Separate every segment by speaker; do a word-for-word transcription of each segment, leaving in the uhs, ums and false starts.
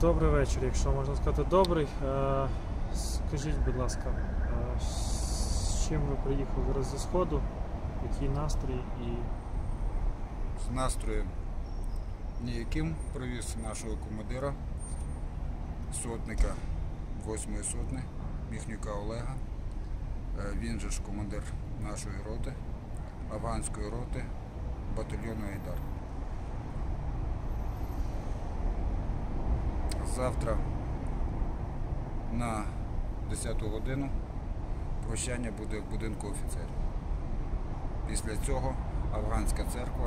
Speaker 1: Добрий вечір, якщо можна сказати добрий. Е, Скажіть, будь ласка, е, з чим ви приїхали зараз зі Сходу, який настрій і...
Speaker 2: З настроєм ніяким привіз нашого командира, сотника восьмої сотні, Міхнюка Олега. Е, Він же ж командир нашої роти, афганської роти, батальйону Айдар. Завтра на десяту годину прощання буде в будинку офіцерів. Після цього афганська церква,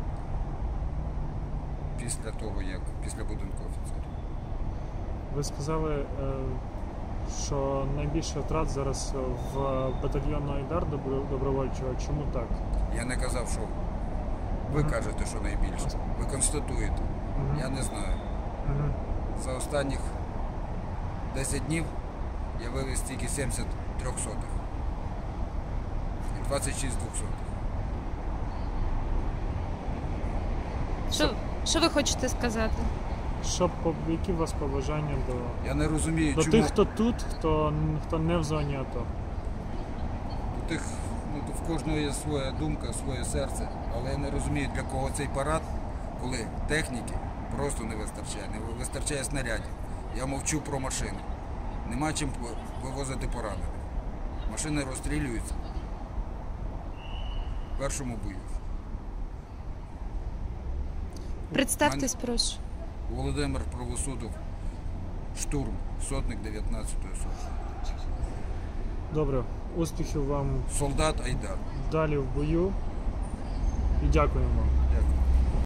Speaker 2: після того, як після будинку офіцерів.
Speaker 1: Ви сказали, е, що найбільше втрат зараз в батальйону Айдар добровольчого. Чому так?
Speaker 2: Я не казав, що ви
Speaker 1: Ага.
Speaker 2: кажете, що найбільше. Ви констатуєте.
Speaker 1: Ага.
Speaker 2: Я не знаю.
Speaker 1: Ага.
Speaker 2: За останніх десять днів я вивез тільки сімдесят трьохсотих і двадцять шість двохсотих.
Speaker 3: Що, що ви хочете сказати?
Speaker 1: Що, по- які у вас побажання до,
Speaker 2: Я не розумію,
Speaker 1: до
Speaker 2: чому
Speaker 1: тих, хто тут, хто, хто не в зоні АТО?
Speaker 2: до тих, ну, в кожного є своя думка, своє серце, але я не розумію, для кого цей парад, коли техніки просто не вистачає, не вистачає снарядів. Я мовчу про машини. Нема чим вивозити поранених. Машини розстрілюються в першому бою.
Speaker 3: Представтесь, прошу.
Speaker 2: Володимир Правосудов, штурм, сотник дев'ятнадцятої сотні.
Speaker 1: Добре, успіхів вам
Speaker 2: Солдат Айдар.
Speaker 1: далі в бою і дякуємо вам.